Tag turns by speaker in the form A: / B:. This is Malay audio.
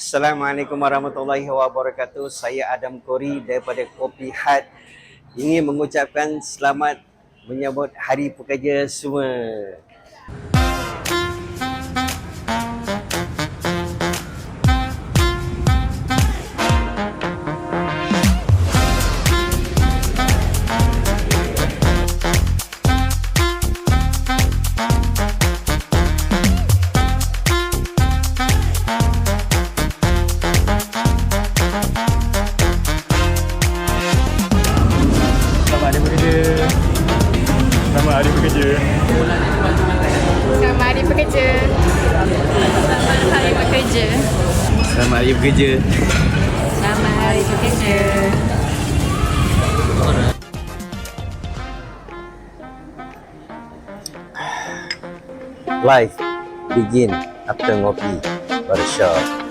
A: Assalamualaikum warahmatullahi wabarakatuh. Saya Adam Kori daripada Kopi Hut. Ingin mengucapkan selamat menyambut Hari Pekerja semua.
B: Selamat Hari Pekerja. Selamat Hari Pekerja.
C: Selamat Hari Pekerja. Selamat Hari Pekerja.
A: Selamat Hari Pekerja.
C: Selamat Hari Pekerja.
A: Life begin after ngopi barbershop.